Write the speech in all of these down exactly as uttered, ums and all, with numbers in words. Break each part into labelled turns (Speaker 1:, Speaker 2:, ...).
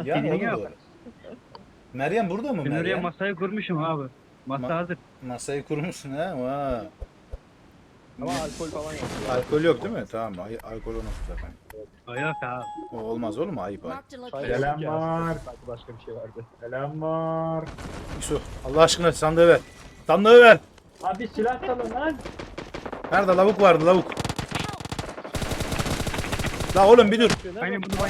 Speaker 1: Yani o
Speaker 2: Senin
Speaker 1: da
Speaker 2: yok.
Speaker 1: doğru. Meryem burada mı
Speaker 2: Ben oraya
Speaker 1: Meryem?
Speaker 2: masayı kurmuşum abi. Masa
Speaker 1: Ma-
Speaker 2: hazır.
Speaker 1: Masayı kurmuşsun ha. Vay.
Speaker 3: Ama alkol falan yok. Ya.
Speaker 1: Alkol yok değil mi? Tamam. Ay alkol olmaz zaten.
Speaker 2: O yok abi.
Speaker 1: O olmaz oğlum, ayıp ayıp.
Speaker 4: Marked a
Speaker 3: Çay
Speaker 4: location.
Speaker 3: yok
Speaker 5: Selam
Speaker 3: ya.
Speaker 5: var.
Speaker 3: Belki başka bir şey vardı.
Speaker 5: Selam var.
Speaker 1: Yusuf Allah aşkına sandığı ver. Sandığı ver.
Speaker 5: Abi silah salın lan.
Speaker 1: Nerede lavuk vardı lavuk. La oğlum bir dur.
Speaker 2: Hani bunu ben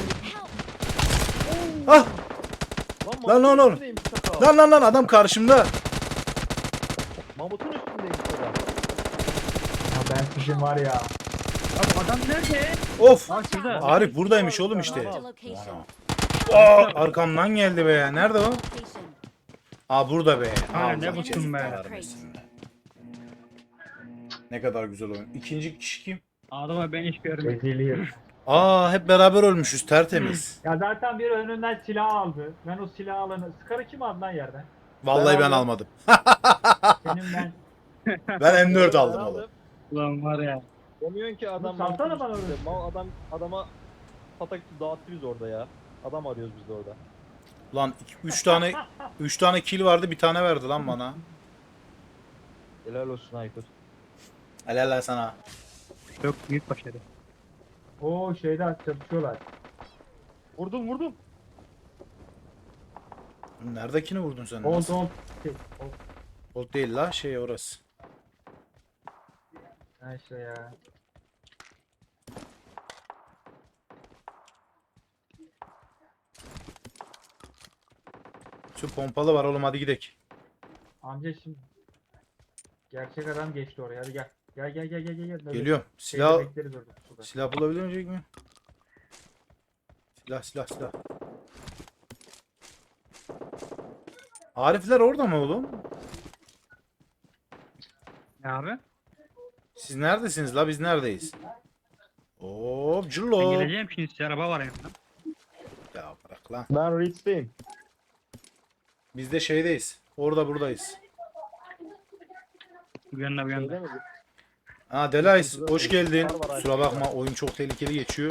Speaker 1: Ah Lan, lan,
Speaker 3: Mamut'un
Speaker 1: lan.
Speaker 3: üstündeymiş çakal.
Speaker 1: lan lan lan adam karşımda.
Speaker 3: Mamut'un üstündeymiş çakal.
Speaker 5: Ya ben sizin var ya.
Speaker 2: Abi adam nerede?
Speaker 1: Of.
Speaker 2: Aa şurada.
Speaker 1: Arif buradaymış oğlum işte.
Speaker 4: Marked a location.
Speaker 1: Aa, arkamdan geldi be ya. Nerede o?
Speaker 4: Location.
Speaker 1: Aa burada be.
Speaker 2: Aa,
Speaker 1: Allah
Speaker 2: ne bıktım be.
Speaker 1: kahretsin be. Ne kadar güzel oyun. İkinci kişi kim?
Speaker 2: Adama ben hiç görmedim.
Speaker 5: Reziliyim.
Speaker 1: Aa hep beraber ölmüşüz tertemiz.
Speaker 5: Ya zaten biri önünden silah aldı. Ben o silah alanı... Skarı kim aldı lan yerden?
Speaker 1: Vallahi
Speaker 3: Ben
Speaker 1: ben
Speaker 3: aldım.
Speaker 1: almadım.
Speaker 5: Senin ben...
Speaker 1: Ben M dört
Speaker 3: Ben
Speaker 1: aldım oğlum.
Speaker 2: Ulan var ya.
Speaker 3: Demiyorsun ki adam
Speaker 5: Salsana
Speaker 3: Mamut'un
Speaker 5: bana
Speaker 3: üstünde.
Speaker 5: öyle.
Speaker 3: Mal adam adama patak dağıttı biz orada ya. Adam arıyoruz biz de orada.
Speaker 1: Lan üç tane üç tane kill vardı, bir tane verdi lan bana.
Speaker 3: Helal olsun Aykut.
Speaker 1: Helal lan sana.
Speaker 2: Çok büyük başarı.
Speaker 5: Oo şeyde çatışıyorlar.
Speaker 3: Vurdum vurdum.
Speaker 1: Neredekini vurdun sen?
Speaker 5: Old
Speaker 1: Nasıl?
Speaker 5: old. Şey, old.
Speaker 1: Old değil la, şey orası.
Speaker 5: Ha işte ya.
Speaker 1: Şu pompalı var oğlum, hadi gidelim.
Speaker 5: Amca şimdi. Gerçek adam geçti oraya. Hadi gel. Gel gel gel gel gel. gel. Böyle
Speaker 1: Geliyorum.
Speaker 5: şeyde
Speaker 1: Silah
Speaker 5: bekleriz orada, suda.
Speaker 1: silah bulabilecek mi? Silah silah silah. Arifler orada mı oğlum?
Speaker 2: Ne abi?
Speaker 1: Siz neredesiniz la, biz neredeyiz? Hop
Speaker 2: Ben
Speaker 1: cıllo.
Speaker 2: geleceğim şimdi size araba var yanımda.
Speaker 1: Ya bırak lan.
Speaker 3: Ben Reach'teyim.
Speaker 1: Biz de şeydeyiz. Orada buradayız.
Speaker 2: Bu yanına bu yanına.
Speaker 3: Şeyde mi?
Speaker 1: Ha Delays hoş geldin.
Speaker 3: Var, var,
Speaker 1: Kusura bakma, oyun çok tehlikeli geçiyor.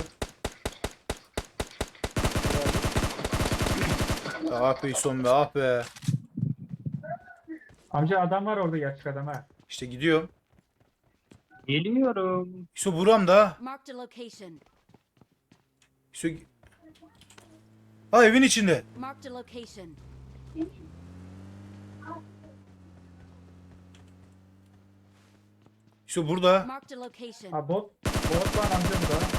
Speaker 1: Ah be İson be, ah be.
Speaker 5: Amca adam var orada, gerçek adam ha.
Speaker 1: İşte gidiyorum.
Speaker 2: Geliyorum.
Speaker 1: İso buram da.
Speaker 4: Marked a location.
Speaker 1: İso... Ha evin içinde.
Speaker 4: Marked a location.
Speaker 1: İso burada.
Speaker 4: Marked a location.
Speaker 5: Ha bot. Bot var amca bu da.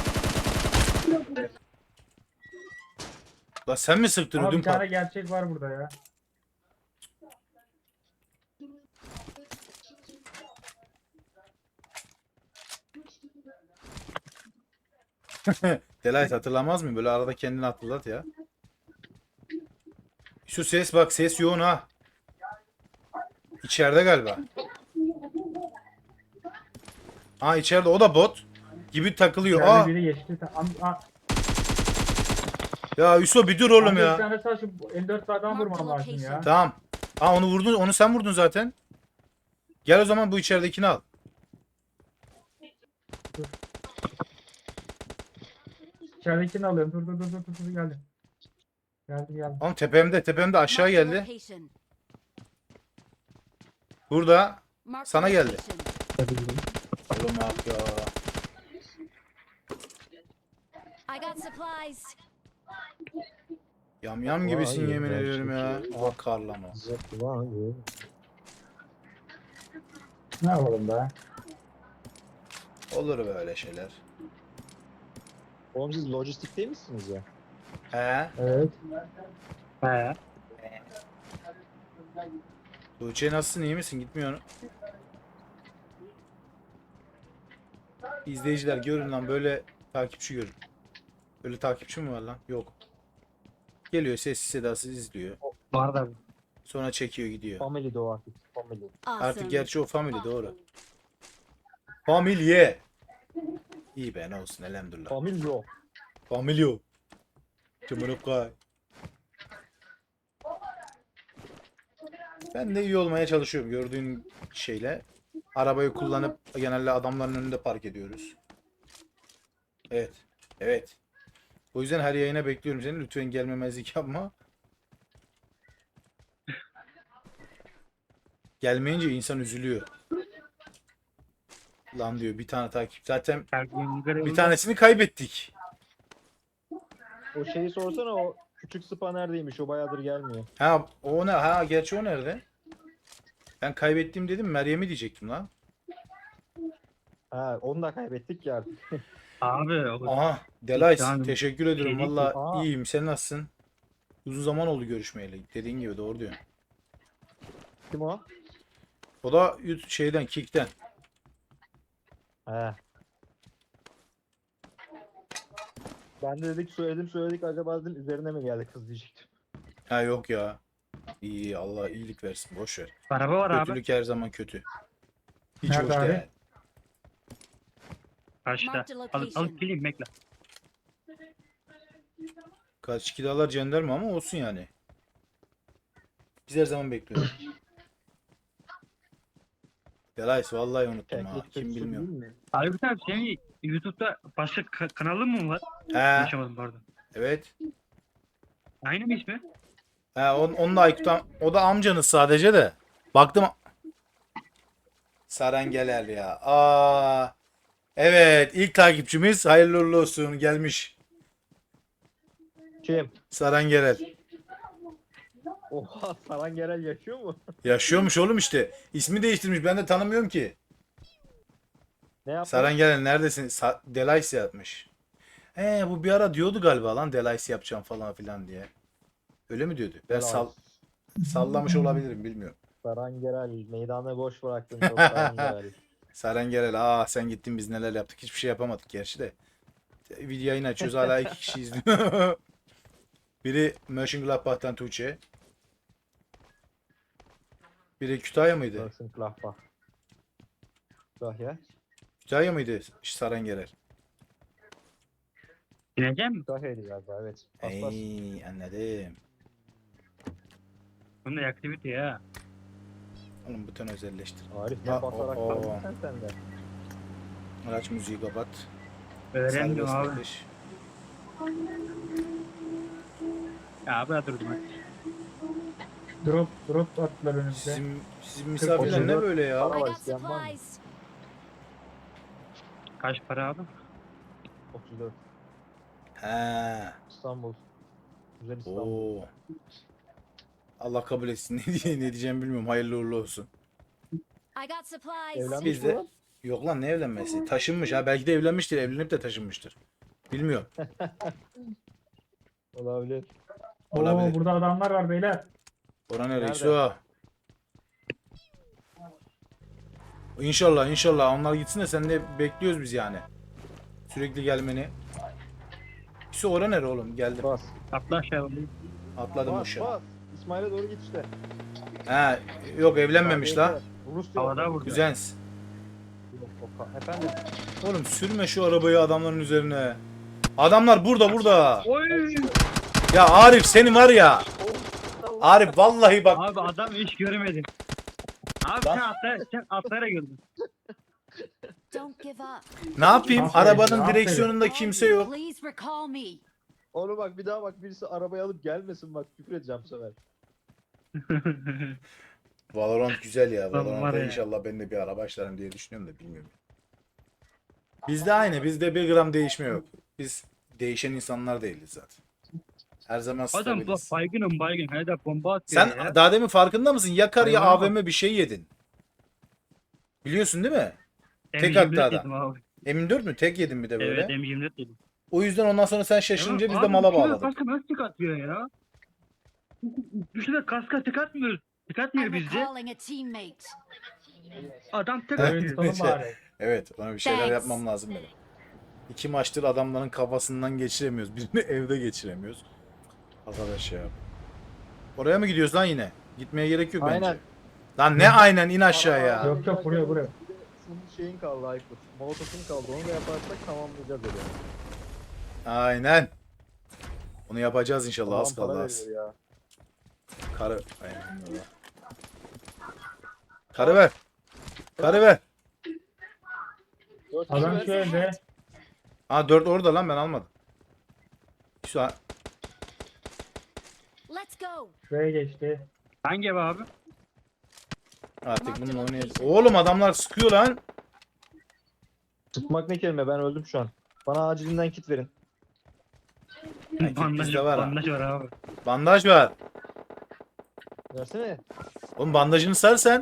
Speaker 1: La sen mi sıktın
Speaker 5: Ama
Speaker 1: ödüm
Speaker 5: bir tane
Speaker 1: pat?
Speaker 5: gerçek var burada ya.
Speaker 1: Delays hatırlamaz mı? Böyle arada kendini hatırlat ya. Şu ses bak, ses yoğun ha. İçeride galiba. Ha içeride, o da bot gibi takılıyor.
Speaker 5: İçeride
Speaker 1: Aa
Speaker 5: biri geçti. Am, a,
Speaker 1: ya Yusuf bir dur oğlum
Speaker 5: amca bir
Speaker 1: ya.
Speaker 5: tane sağ şu elli dört adam vurmam lazım ya.
Speaker 1: Tamam. Ha onu vurdun, onu sen vurdun zaten. Gel o zaman bu içeridekini al.
Speaker 5: İçeridekini alıyorum. Dur dur dur dur dur, dur geldim. Geldim geldim.
Speaker 1: Oğlum tepemde, tepemde aşağı
Speaker 4: Marked a
Speaker 1: geldi.
Speaker 4: location.
Speaker 1: Burada.
Speaker 4: Marked a
Speaker 1: Sana geldi.
Speaker 4: location.
Speaker 1: Oğlum ah ya.
Speaker 4: I got supplies.
Speaker 1: Yam yam gibisin
Speaker 3: Vay,
Speaker 1: yemin
Speaker 3: ben
Speaker 1: ediyorum ya.
Speaker 3: çünkü-
Speaker 1: Bak karlama.
Speaker 3: Zıplayın.
Speaker 5: Ne yapalım be?
Speaker 1: Olur böyle şeyler.
Speaker 3: Oğlum siz lojistik değil misiniz ya?
Speaker 1: He?
Speaker 5: Evet.
Speaker 2: He.
Speaker 1: Tuğçe nasılsın, iyi misin? Gitmiyor. İzleyiciler görün lan, böyle takipçi görün. Böyle takipçi mi var lan? Yok. Geliyor sessiz sedasız izliyor.
Speaker 2: Var da.
Speaker 1: Sonra çekiyor gidiyor.
Speaker 3: Family de o artık. Family.
Speaker 4: Awesome.
Speaker 1: Artık gerçi o family doğru. Familye. İyi be, ne olsun elhamdülillah.
Speaker 3: Family o.
Speaker 1: Familyo. Cumhurukay. Ben de iyi olmaya çalışıyorum gördüğün şeyle. Arabayı kullanıp genelde adamların önünde park ediyoruz. Evet. Evet. O yüzden her yayına bekliyorum seni. Lütfen gelmemezlik yapma. Gelmeyince insan üzülüyor. Lan diyor bir tane takip. Zaten
Speaker 2: Her gün görev-
Speaker 1: bir tanesini kaybettik.
Speaker 3: O şeyi sorsana, o küçük spa neredeymiş? O bayağıdır gelmiyor.
Speaker 1: Ha o ne? Ha gerçi o nerede? Ben kaybettim dedim. Meryem'i diyecektim lan.
Speaker 3: Ha, onu da kaybettik ya artık.
Speaker 2: Abi o
Speaker 1: Aha Delays
Speaker 2: Yani
Speaker 1: teşekkür ederim.
Speaker 2: şey değil ki.
Speaker 1: Valla
Speaker 3: Aa.
Speaker 1: iyiyim. Sen nasılsın? Uzun zaman oldu görüşmeyeli. Dediğin gibi doğru diyorsun.
Speaker 3: Kim o?
Speaker 1: O da yut- şeyden Kick'ten.
Speaker 3: He. Ben de dedik söyledim söyledik, acaba dedim üzerine mi geldi kız diyecektim.
Speaker 1: Ha yok ya. İyi Allah iyilik versin. Boş ver.
Speaker 2: araba var abi.
Speaker 1: Kötülük her zaman kötü. Hiç
Speaker 5: Nerede
Speaker 1: hoş
Speaker 5: abi?
Speaker 1: değil.
Speaker 2: Karşıda.
Speaker 4: Marked a
Speaker 2: Alıp,
Speaker 4: location.
Speaker 2: alıp geleyim bekle.
Speaker 1: Kaç kilolar jandarma ama olsun yani. Biz her zaman bekliyoruz. Delays vallahi unuttum ha.
Speaker 3: Keklik
Speaker 1: Kim
Speaker 3: kötüsü
Speaker 1: bilmiyor.
Speaker 3: değil mi?
Speaker 2: Abi sen senin YouTube'da başka ka- kanalın mı var?
Speaker 1: He
Speaker 2: Yaşamadım pardon.
Speaker 1: evet.
Speaker 2: Aynı mı ismi?
Speaker 1: He on, onun da Aykut am- o da amcanız sadece de. Baktım. Sarengeler ya. Aa. Evet ilk takipçimiz hayırlı uğurlu olsun gelmiş.
Speaker 3: Kim?
Speaker 1: Sarengeler.
Speaker 3: Oha, Saran Gerel yaşıyor mu?
Speaker 1: Yaşıyormuş oğlum işte. İsmi değiştirmiş. Ben de tanımıyorum ki.
Speaker 3: Ne yaptı?
Speaker 1: Sarengeler neredesin? Sa Delays yapmış. He bu bir ara diyordu galiba lan Delays yapacağım falan filan diye. Öyle mi diyordu? Ben sal sallamış olabilirim bilmiyorum.
Speaker 3: Saran Gerel meydanı boş bıraktın çok Saran Gerel.
Speaker 1: Sarengerel aa sen gittin biz neler yaptık. Hiçbir şey yapamadık gerçi de. Video yayını açıyoruz hala iki kişi izliyor. Biri Mönchengladbach'tan Tuğçe. Biri Kütahya mıydı?
Speaker 3: Mönchengladbach. Kütahya.
Speaker 1: Kütahya mıydı Sarengerel?
Speaker 2: Bineceğim mi?
Speaker 3: Kütahya'ydı galiba, evet. Aslas.
Speaker 1: Ey anladım.
Speaker 2: Bunun aktivite ya.
Speaker 1: Oğlum buton özelleştir.
Speaker 3: Arif
Speaker 1: Ha,
Speaker 3: ne basarak
Speaker 1: o- o.
Speaker 3: kaldın sen sende.
Speaker 1: Araç müziği kapat.
Speaker 2: Öğrendim
Speaker 1: Serbest
Speaker 2: abi.
Speaker 1: atış.
Speaker 2: Ya abi durdum hadi.
Speaker 5: Drop drop attılar önümüze.
Speaker 1: Sizin, sizin misafirler ne
Speaker 3: otuz dört
Speaker 1: böyle ya?
Speaker 4: I
Speaker 3: Araba
Speaker 4: got
Speaker 3: isteyen var mı?
Speaker 4: supplies.
Speaker 2: Kaç para abi?
Speaker 3: otuz dört.
Speaker 1: He.
Speaker 3: İstanbul. Güzel İstanbul.
Speaker 1: Oo. Allah kabul etsin. Ne diye ne diyeceğimi bilmiyorum. Hayırlı uğurlu olsun.
Speaker 4: I got supplies.
Speaker 3: Evlenmiş
Speaker 1: Biz
Speaker 3: mi
Speaker 1: de-
Speaker 3: lan?
Speaker 1: Yok lan ne evlenmesi? Taşınmış ha. Belki de evlenmiştir. Evlenip de taşınmıştır. Bilmiyorum.
Speaker 3: Olabilir.
Speaker 5: Oo
Speaker 1: Olabilir.
Speaker 5: burada adamlar var beyler.
Speaker 1: Orhan nereye?
Speaker 3: Nerede?
Speaker 1: Su. İnşallah inşallah onlar gitsin de sen de bekliyoruz biz yani. Sürekli gelmeni. Su oran nere oğlum? Geldim.
Speaker 3: Bas.
Speaker 2: Atla aşağı oğlum.
Speaker 1: Atladım
Speaker 3: Bas
Speaker 1: aşağı.
Speaker 3: bas. İsmail'e doğru git işte.
Speaker 1: He. Yok evlenmemiş la.
Speaker 3: Rus diyor.
Speaker 2: Havada vurdu.
Speaker 1: Güzens.
Speaker 3: Yok, Oka. Efendim.
Speaker 1: Oğlum sürme şu arabayı adamların üzerine. Adamlar burada burada.
Speaker 2: Oy!
Speaker 1: Ya Arif seni var ya. Arif vallahi bak.
Speaker 2: Abi adam hiç görmedi. Abi sen atla, sen atlara gördün.
Speaker 4: Don't give up.
Speaker 1: Ne yapayım?
Speaker 5: Aferin,
Speaker 1: Arabanın
Speaker 5: aferin.
Speaker 1: direksiyonunda
Speaker 4: Call
Speaker 1: kimse
Speaker 4: me.
Speaker 1: yok.
Speaker 4: Please recall me.
Speaker 3: Oğlum bak, bir daha bak, birisi arabayı alıp gelmesin, bak küfür edeceğim bu sefer.
Speaker 1: Valorant güzel ya.
Speaker 2: Lan var
Speaker 1: Valorant'ta
Speaker 2: ya.
Speaker 1: inşallah ben de bir ara başlarım diye düşünüyorum da bilmiyorum. Bizde aynı. Bizde bir gram değişme yok. Biz değişen insanlar değiliz zaten. Her zaman
Speaker 2: Adam bu
Speaker 1: stabiliz.
Speaker 2: baygınım baygın. Hele de bomba atıyor
Speaker 1: Sen
Speaker 2: ya.
Speaker 1: daha demin farkında mısın? Ya kar ya
Speaker 2: Hayvana bak.
Speaker 1: A V M bir şey yedin. Biliyorsun değil mi?
Speaker 2: M
Speaker 1: tek
Speaker 2: yirmi dört
Speaker 1: attı adam.
Speaker 2: yedim abi.
Speaker 1: M dört mü? Tek yedin bir de böyle.
Speaker 2: Evet M yirmi dört yedim.
Speaker 1: O yüzden ondan sonra sen şaşırınca
Speaker 2: Ya
Speaker 1: biz de
Speaker 2: abi,
Speaker 1: mala
Speaker 2: bu kime
Speaker 1: bağladık.
Speaker 2: Kaska nasıl tık atıyor ya? Düşünsene kaska tık atmıyor. Tık atmıyor
Speaker 4: I'm
Speaker 2: bizde.
Speaker 4: recalling a teammate.
Speaker 2: Adam tık
Speaker 1: Evet.
Speaker 2: atıyor.
Speaker 5: Oyun sonu bari.
Speaker 1: Evet, ona bir şeyler
Speaker 4: Thanks.
Speaker 1: yapmam lazım benim. İki maçtır adamların kafasından geçiremiyoruz. Birini evde geçiremiyoruz. Arkadaş ya. Oraya mı gidiyoruz lan yine? Gitmeye gerek yok
Speaker 3: Aynen.
Speaker 1: bence. Lan ne aynen in aşağıya.
Speaker 5: Yok, yok, buraya, buraya.
Speaker 3: Bir de senin şeyin kaldı Aykut. Molotofun kaldı. Onu da yaparsak tamamlayacağız öyle.
Speaker 1: Aynen. Onu yapacağız inşallah az
Speaker 3: Allah'ım
Speaker 1: kaldı
Speaker 3: para
Speaker 1: az.
Speaker 3: veriyor ya.
Speaker 1: Karı. Aynen öyle. Karı ver. Karı ver.
Speaker 3: Dört
Speaker 5: Adam
Speaker 3: kişi
Speaker 5: şu
Speaker 3: ver.
Speaker 5: evde.
Speaker 1: Ha dört orada lan ben almadım. Şu an
Speaker 4: Let's go.
Speaker 5: Şuraya geçti.
Speaker 2: Hangi ev abi?
Speaker 1: artık bununla oynayacağız. Oğlum adamlar sıkıyor lan.
Speaker 3: Sıkmak ne kelime, ben öldüm şu an. Bana acilinden kit verin.
Speaker 1: kit
Speaker 2: bandaj,
Speaker 1: bizde var ha.
Speaker 2: bandaj var abi.
Speaker 1: Bandaj var.
Speaker 3: Versene.
Speaker 1: Oğlum bandajını sar sen.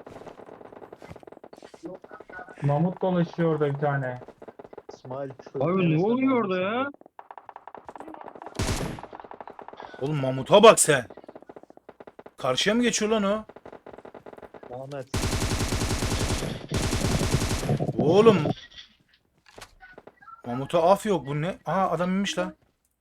Speaker 5: Mamut dolaşıyor orada bir tane.
Speaker 3: İsmail.
Speaker 2: Abi ne oluyor orada ya?
Speaker 1: Oğlum mamuta bak sen. Karşıya mı geçiyor lan o?
Speaker 3: Ahmet.
Speaker 1: Oğlum. Mamuta af yok, bu ne? Aa adam inmiş lan.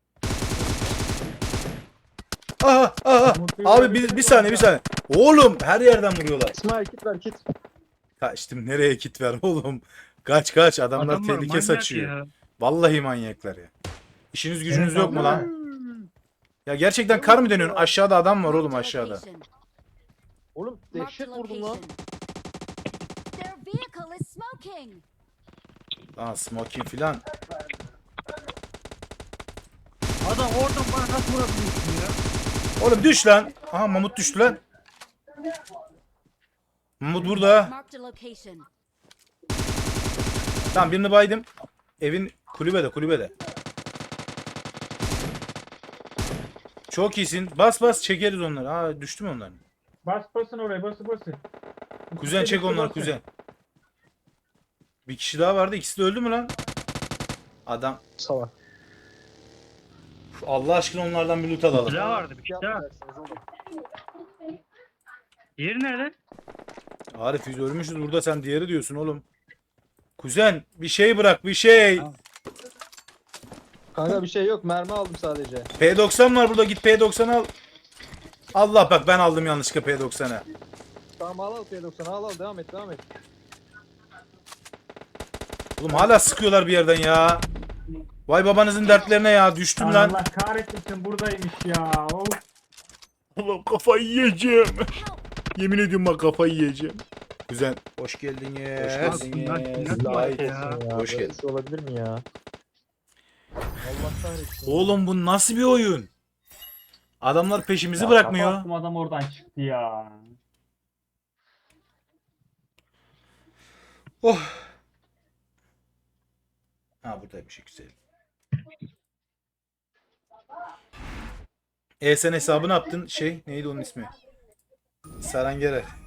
Speaker 1: Aha aha.
Speaker 5: Mamut bir
Speaker 1: Abi bir, bir saniye bir saniye. Oğlum her yerden vuruyorlar.
Speaker 3: İsmail kit ver kit.
Speaker 1: Kaçtım, nereye kit ver oğlum. Kaç kaç, adamlar
Speaker 2: Adamlar
Speaker 1: tehlike
Speaker 2: manyak
Speaker 1: saçıyor.
Speaker 2: ya.
Speaker 1: Vallahi manyaklar ya. İşiniz gücünüz
Speaker 5: Evet,
Speaker 1: yok mu
Speaker 5: abla.
Speaker 1: lan? Ya gerçekten kar mı dönüyorsun? Aşağıda adam var oğlum,
Speaker 4: Marked a
Speaker 1: aşağıda.
Speaker 4: location.
Speaker 3: Oğlum
Speaker 4: Marked a
Speaker 3: dehşet vurdum lan.
Speaker 4: location. Their vehicle is smoking.
Speaker 1: Lan smoking filan.
Speaker 2: Adam oradan bana nasıl vurabiliyorsun ya?
Speaker 1: Oğlum düş lan. Aha Mamut düştü lan. Mamut burada.
Speaker 4: Marked a location.
Speaker 1: Tamam birini baydım. Evin kulübede kulübede. Çok iyisin. Bas bas çekeriz onları. Aa düştü mü onlar?
Speaker 5: Bas basın oraya bası basın.
Speaker 1: Kuzen çek onları kuzen. Bir kişi daha vardı. İkisi de öldü mü lan? Adam.
Speaker 3: Salak.
Speaker 1: Uf, Allah aşkına onlardan bir loot alalım.
Speaker 2: Bir daha vardı bir şey daha.
Speaker 3: Yapmayacaksınız oğlum.
Speaker 2: Yeri nerede?
Speaker 1: Arif biz ölmüşüz burada, sen diğeri diyorsun oğlum. Kuzen bir şey bırak bir şey.
Speaker 2: Tamam.
Speaker 3: Kanka bir şey yok, mermi aldım sadece.
Speaker 1: P doksan var burada, git P doksan al. Allah bak ben aldım yanlışlıkla P doksanı.
Speaker 3: Tamam al al P doksan, al al devam et devam et.
Speaker 1: Oğlum hala sıkıyorlar bir yerden ya. Vay babanızın dertlerine ya, düştüm lan.
Speaker 5: Allah kahretmesin buradaymış ya. Of.
Speaker 1: Oğlum kafayı yiyeceğim.
Speaker 4: Help.
Speaker 1: Yemin ediyorum bak kafayı yiyeceğim. Kuzen hoş geldin ya.
Speaker 2: Hoş geldin.
Speaker 3: Lanet
Speaker 1: Vay.
Speaker 3: olsun ya.
Speaker 1: Hoş
Speaker 3: Böyle
Speaker 1: geldin.
Speaker 3: bir şey olabilir mi ya? Allah kahretsin.
Speaker 1: Oğlum bu nasıl bir oyun? Adamlar peşimizi
Speaker 5: Ya,
Speaker 1: bırakmıyor.
Speaker 5: kapattım, adam oradan çıktı ya.
Speaker 1: Oh. Ha buradaymış, güzel. E sen hesabı ne yaptın? Şey neydi onun ismi? Sarangere.